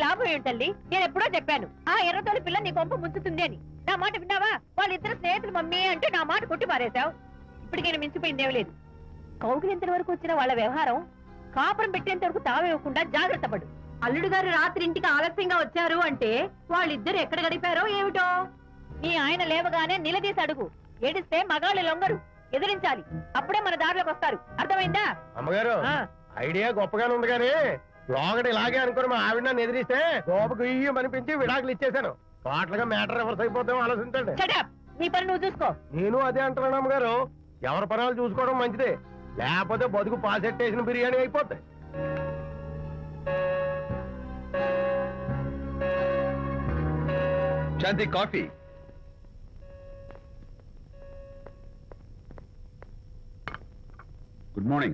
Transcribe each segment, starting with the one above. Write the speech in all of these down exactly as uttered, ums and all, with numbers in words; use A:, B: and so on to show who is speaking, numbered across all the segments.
A: లాభం ఏంటల్లి? నేను ఎప్పుడో చెప్పాను ఆ ఎర్రతోలి పిల్ల నీ కొంప ముంచుతుంది అని. నా మాట విన్నావా? వాళ్ళిద్దరు స్నేహితులు మమ్మీ అంటే నా మాట కొట్టి మారేశావు. ఇప్పటికైనా మించిపోయిందేం లేదు. కౌగిలింత వరకు వచ్చిన వాళ్ళ వ్యవహారం కాపురం పెట్టేంత వరకు తావేవ్వకుండా జాగ్రత్త పడు. అల్లుడు గారు రాత్రి ఇంటికి ఆలస్యంగా వచ్చారు అంటే వాళ్ళిద్దరు ఎక్కడ గడిపారో ఏమిటో. నీ ఆయన లేవగానే నిలదీసి అడుగు. ఏడిస్తే మగాళ్ళు లొంగరు, ఎదిరించాలి. అప్పుడే మన దారిలోకి వస్తారు. అర్థమైందా?
B: అమ్మగారు ఐడియా గొప్పగానే ఉంది కానీ లోగడ ఇలాగే అనుకుని మా ఆవిడ నన్ను ఎదిరిస్తే గోపకు ఇయ్యం అనిపించి విడాకులు ఇచ్చేశాను. పాటలుగా మ్యాటర్ రివర్స్ అయిపోతాం ఆలోచించండి.
A: నీ పని నువ్వు చూసుకో.
B: నేను అదే అంటున్నాను అమ్మగారు. ఎవరి పనాలు చూసుకోవడం మంచిదే, లేకపోతే బతుకు పాసెట్టేసిన బిర్యానీ అయిపోతాయి.
C: Shanti coffee. Good morning.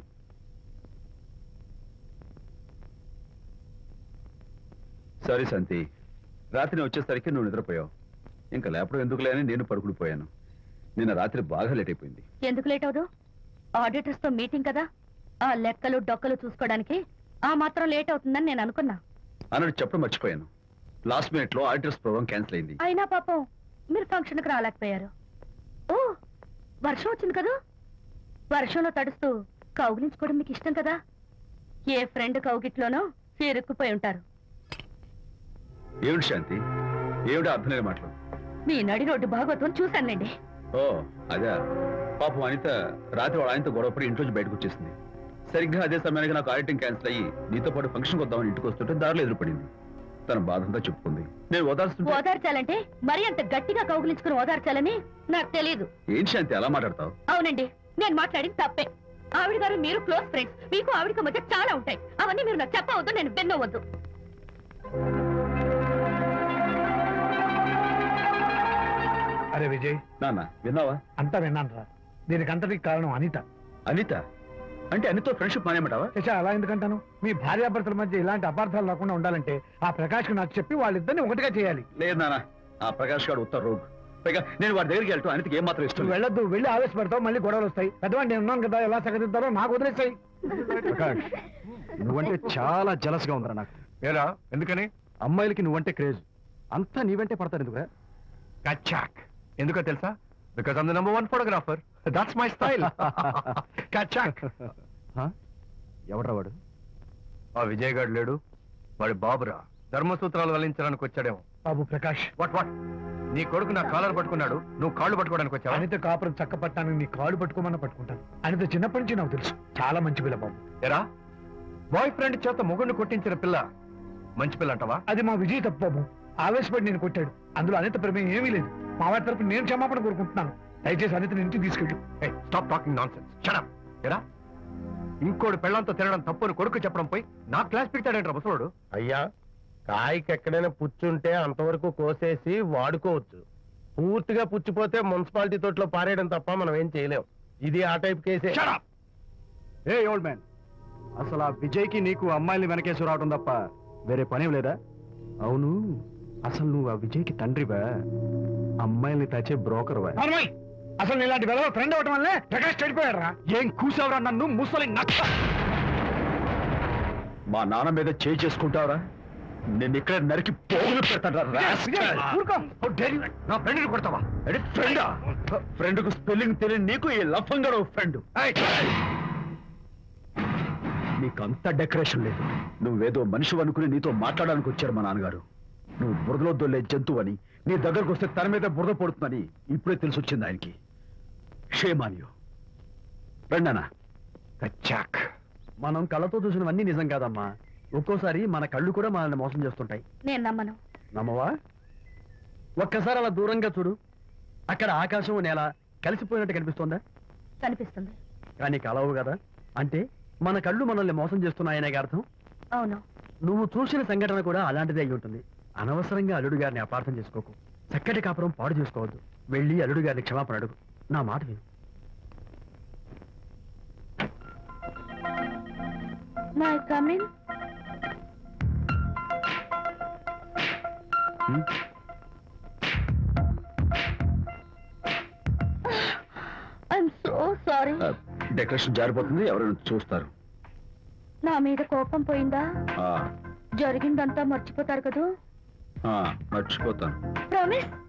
C: Sorry Shanti, రాత్రి వచ్చేసరికి నువ్వు నిద్రపోయావు. ఇంకా లేపడం ఎందుకులే అని నేను పడుకుడిపోయాను. నిన్న రాత్రి బాగా లేట్ అయిపోయింది.
A: ఎందుకు లేట్ అవదు? ఆడిటర్స్ తో మీటింగ్ కదా, ఆ లెక్కలు డొక్కలు చూసుకోవడానికి ఆ మాత్రం లేట్ అవుతుందని నేను అనుకున్నా.
C: అన్నట్టు చెప్పడం మర్చిపోయాను. లాస్ట్ మినిట్ లో ఆడిటర్స్ ప్రోగ్రామ్ క్యాన్సిల్ అయింది.
A: అయినా పాపం మీరు ఫంక్షన్ కి రాలేకపోయారు. ఓ వర్షం వచ్చింది కదా, వర్షంలో తడుస్తూ కౌగిలించుకోవడం మీకు ఇష్టం కదా. ఏ ఫ్రెండ్ కౌగిట్లోనో ఇరుక్కుపోయి ఉంటారు.
C: ఏమిటి శాంతి, ఏమిటి అర్థం లేని మాటలు?
A: మీ నడి రోడ్డు భాగవతం చూశానండి.
C: ఓ అదే, పాపం అనిత రాత్రి వాళ్ళ ఆయనతో గొడవపడి ఇంట్లోంచి బయటకు వచ్చేసింది. సరిగ్గా అదే సమయానికి నాకు ఆడిటింగ్ క్యాన్సిల్ అయ్యి నీతో పాటు ఫంక్షన్కి వద్దామని ఇంటికి వస్తుంటే దారిలో ఎదురుపడింది. తన బాధంతా చెప్పుకుంది. నేను ఓదార్చుంటే
A: ఓదార్చాలంటే మరి అంత గట్టిగా కౌగిలించుకుని ఓదార్చాలని నాకు తెలియదు.
C: ఏం శాంతి అలా మాట్లాడతావు?
A: అవునండి, నేను మాట్లాడింది తప్పే. ఆవిడ గారు మీరు క్లోజ్ ఫ్రెండ్స్, మీకు ఆవిడకి మధ్య చాలా ఉంటాయి. అవన్నీ మీరు నాకు చెప్పవద్దు, నేను విన్నవద్దు.
D: అరే విజయ్,
C: నాన్న విన్నావా?
D: అంతా విన్నాను రా. దీనికి అంతటికి కారణం అనిత.
C: అనిత అంటే అనితో ఫ్రెండ్షిప్ మానేమంటావా?
D: శశా, అలా ఎందుకంటాను? మీ భార్యాభర్తల మధ్య ఇలాంటి అపార్థాలు రాకుండా ఉండాలంటే ఆ ప్రకాష్ నాకు చెప్పి వాళ్ళిద్దరిని ఒకటిగా చేయాలి.
C: లేదు నాన్న, ఆ ప్రకాష్ గారు ఉత్తర రోగ్. పైగా నేను వాడి దగ్గరికి వెళ్తాను. అనితకి ఏం మాత్రం ఇష్టం.
D: నువ్వు వెళ్ళొద్దు, వెళ్ళి ఆవేశపడతావు, మళ్ళీ గొడవలు వస్తాయి. పెద్దవాడిని నేను ఉన్నాను కదా, ఎలా సగదిద్దారో నాకు వదిలేస్తాయి.
E: ప్రకాష్, నువ్వంటే చాలా జలస్ గా ఉందిరా నాకు.
B: ఏరా ఎందుకని?
E: అమ్మాయిలకి నువ్వంటే క్రేజ్. అంతా నీవంటే పడతారు ఎందుకురా?
B: కచాక్. ఎందుకో తెలుసా? Because I'm the number one photographer. That's my style. కచాక్.
E: ఎవడ్రా వాడు?
B: ఆ విజయ్ గారు లేడు, వాడి బాబురా. ధర్మసూత్రాలు వల్లించడానికి వచ్చాడేమో.
D: బాబు ప్రకాష్,
B: వాట్ వాట్ నీ కొడుకు నా కాలర్ పట్టుకున్నాడు, నువ్వు కాళ్ళు పట్టుకోవడానికి వచ్చావా?
D: అనిత కాపురం చక్క పట్టానికి నీ కాళ్ళు పట్టుకోమన్నా పట్టుకుంటాను. అనిత చిన్నప్పటి నుంచి నాకు తెలుసు, చాలా మంచి పిల్ల బాబు.
B: ఎరా, బాయ్ ఫ్రెండ్ చేత మొగుడిని కొట్టించిన పిల్ల మంచి పిల్ల అంటావా?
D: అది మా విజయ్ తప్పు బాబు. ఆవేశపడి నేను కొట్టాడు. అందులో అనిత ప్రమేయం ఏమీ లేదు. మా వారి తరపు నేను క్షమాపణ కోరుకుంటున్నాను. దయచేసి అనితని ఇంటికి తీసుకెళ్ళు.
B: Stop talking nonsense. Shut up. ఎరా, ఇంకోటి పెళ్ళంతో తినడం తప్పుని కొడుకు చెప్పడం పోయి నా క్లాస్ పెడతాడంట ముసలోడు. అయ్యా, కాయకి ఎక్కడైనా పుచ్చుంటే అంతవరకు కోసేసి వాడుకోవచ్చు. పూర్తిగా పుచ్చిపోతే మున్సిపాలిటీ తోటలో పారేయడం తప్ప మనం ఏం చేయలేం. ఇది ఆ టైప్ కేసే.
E: ఏ ఓల్డ్ మ్యాన్, అసలు ఆ విజయ్కి నీకు అమ్మాయిని వెనకేసి రావడం తప్ప వేరే పనేం లేదా? అవును, అసలు నువ్వు ఆ విజయ్కి తండ్రివా, అమ్మాయిల్ని తెచ్చే బ్రోకర్వా?
D: అసలు ఇలాంటి వెధవ ఫ్రెండ్ అవటం వల్లే ప్రకాష్ చెడిపోయాడు రా.
E: ఏం కూసావురా నన్ను ముసలి నచ్చ?
C: మా నాన్న మీద చేయి చేసుకుంటావరా? నేను ఇక్కడ నరికి పోగులు పెడతాను.
B: నా ఫ్రెండ్ని కొడతావా?
C: ఫ్రెండా? ఫ్రెండ్ కు స్పెల్లింగ్ తెలియని నీకు ఈ లఫంగా ఫ్రెండ్. నీకంత డెకరేషన్ లేదు. నువ్వేదో మనిషి అనుకుని నీతో మాట్లాడడానికి వచ్చారు మా నాన్నగారు. నువ్వు బురదలో దొల్లే జంతువు అని, నీ దగ్గరకు వస్తే తన మీద బురద పడుతుందని ఇప్పుడే తెలిసి వచ్చింది ఆయనకి. షేమానియో రండనా.
E: కచ్చాక్. మనం కళ్ళతో చూసినవన్నీ నిజం కాదమ్మా. ఒక్కోసారి మన కళ్ళు కూడా మనల్ని మోసం చేస్తుంటాయి.
A: నేను నమ్మను.
E: నమ్మవా? ఒక్కసారి అలా దూరంగా చూడు. అక్కడ ఆకాశం నేల కలిసిపోయినట్టు కనిపిస్తోందా?
A: కనిపిస్తుంది.
E: కానీ కలవు కదా, అంటే మన కళ్ళు మనల్ని మోసం చేస్తున్నాయనే అర్థం.
A: అవును.
E: నువ్వు చూసిన సంఘటన కూడా అలాంటిదే అయి ఉంటుంది. అనవసరంగా అల్లుడు గారిని అపార్థం చేసుకోకు. చక్కటి కాపురం పాడు చేసుకోవద్దు. వెళ్ళి అల్లుడు గారిని క్షమాపణ అడుగు. నా మాట విను.
A: May I come in?
E: Hmm?
A: I'm so sorry.
C: Decoration జారిపోతుంది, ఎవరైనా చూస్తారు.
A: నా మీద కోపం పోయిందా? జరిగిందంతా మర్చిపోతారు కదూ
C: ఆ, మర్చిపోతాను
A: ప్రామిస్